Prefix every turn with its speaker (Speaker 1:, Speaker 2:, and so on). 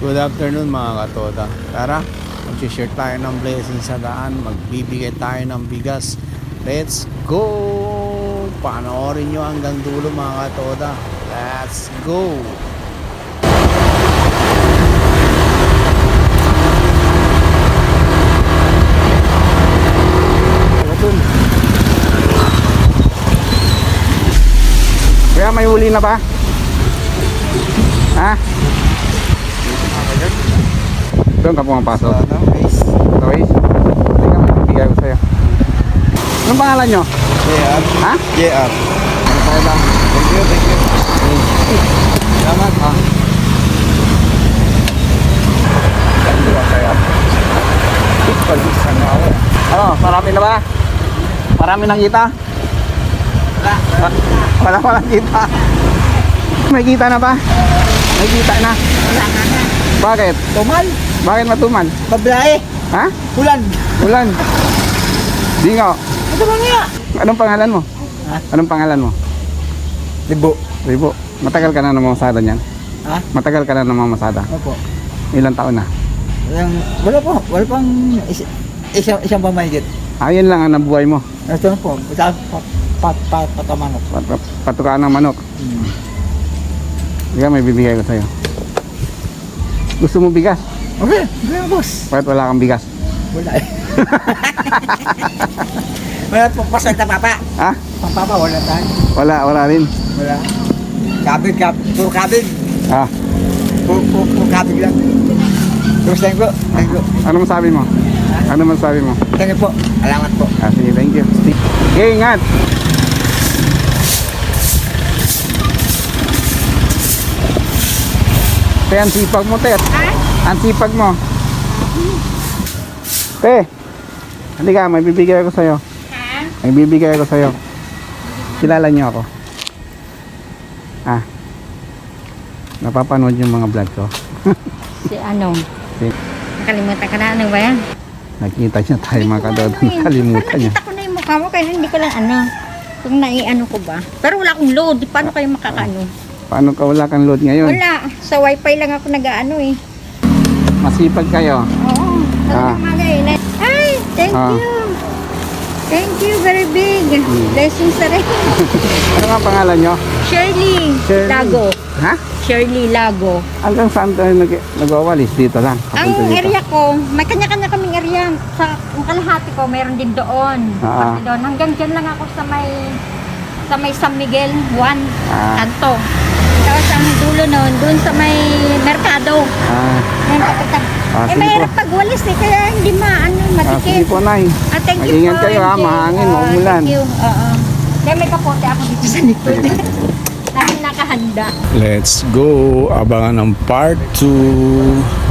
Speaker 1: Good afternoon mga katoda. Tara, mag-share tayo ng blessing sa daan. Magbibigay tayo ng bigas. Let's go! Panoorin nyo hanggang dulo mga katoda. Let's go!
Speaker 2: Kaya may huli na ba? Ha? Doon ka pumapasok. Guys, teka, may bibigay ko sa'yo. Anong pangalan nyo?
Speaker 1: JR.
Speaker 2: Ha?
Speaker 1: JR.
Speaker 2: Ano tayo ba?
Speaker 1: Thank you, thank you. Salamat.
Speaker 2: Ano, marami na ba? Marami nang kita? Wala pa lang kita. May kita na ba? May kita na. Bakit?
Speaker 1: Tumal.
Speaker 2: Bakit matuman?
Speaker 1: Babae.
Speaker 2: Ha?
Speaker 1: Ulan.
Speaker 2: Ulan. Dingo.
Speaker 1: Ito ba nga?
Speaker 2: Anong pangalan mo?
Speaker 1: Ha?
Speaker 2: Anong pangalan mo?
Speaker 1: Libo.
Speaker 2: Ribo. Matagal ka na namamasada niyan?
Speaker 1: Ha?
Speaker 2: Matagal ka na namamasada?
Speaker 1: Opo.
Speaker 2: Ilang taon na?
Speaker 1: Wala po. Wala pang isang pamahigit.
Speaker 2: Ayun lang ang nabuhay mo.
Speaker 1: Ito na po. Patamanok.
Speaker 2: Patukaan ng manok. Kaya may bibigay ko sa'yo. Gusto mo bigas?
Speaker 1: Okay. Gaya boss.
Speaker 2: Bakit wala kang bigas?
Speaker 1: Wala eh. Wala po pasal na papa.
Speaker 2: Ha?
Speaker 1: Pang papa wala tayo.
Speaker 2: Wala rin.
Speaker 1: Wala. Kabig. Puro kabig.
Speaker 2: Ah,
Speaker 1: Puro kabig lang. Terus thank you. Thank you.
Speaker 2: ano masabi mo? Ano masabi mo?
Speaker 1: Thank you po. Alamat po.
Speaker 2: Ah, sige, thank you. Okay, ingat. Te, ang sipag mo, te. Ang sipag mo. Te, halika, may bibigay ako sa'yo. May bibigay ako sa'yo. Kilala niyo ako. Ah, napapanood yung mga vlog ko.
Speaker 3: Si ano?
Speaker 2: Si,
Speaker 3: Nakalimutan ka na. Ano ba yan?
Speaker 2: nakita niya tayo mga kadodo. Nakalimutan niya.
Speaker 3: Nakita ko na yung mukha mo kaya hindi ko lang ano. Kung naiano ko ba. Pero wala akong load. Paano kayo makakaano?
Speaker 2: Paano ka wala kang load ngayon?
Speaker 3: Wala. Sa wifi lang ako nag-ano eh.
Speaker 2: Masipag kayo.
Speaker 3: Oo.
Speaker 2: Ah.
Speaker 3: Ay, thank
Speaker 2: Ah.
Speaker 3: you. Thank you, very big. Blessings sa rin.
Speaker 2: Ano nga pangalan nyo?
Speaker 3: Shirley
Speaker 2: Shirley.
Speaker 3: Lago.
Speaker 2: Ha?
Speaker 3: Shirley Lago.
Speaker 2: Hanggang saan tayo nag-awalis? Dito lang.
Speaker 3: Ang
Speaker 2: Papunta dito.
Speaker 3: area ko, may kanya-kanya kaming area. Sa ang kalahati ko, meron din doon.
Speaker 2: Ah.
Speaker 3: Pati doon. Hanggang dyan lang ako sa may San Miguel 1,
Speaker 2: Ah.
Speaker 3: Kanto. Tapos ang dulo noon, doon sa may Merkado.
Speaker 2: Ah,
Speaker 3: Yan, papunta.
Speaker 2: sige
Speaker 3: mahirap
Speaker 2: po.
Speaker 3: pagwalis eh, kaya hindi
Speaker 2: Sige
Speaker 3: madikit.
Speaker 2: po, Nay.
Speaker 3: Thank you
Speaker 2: Mag-ingat
Speaker 3: po,
Speaker 2: kayo, ha.
Speaker 3: MJ.
Speaker 2: Mahangin, maumulan.
Speaker 3: Thank you. Oo. Kaya may kapote ako dito sa likod. Lagi nakahanda.
Speaker 1: Let's go. Abangan ng part 2.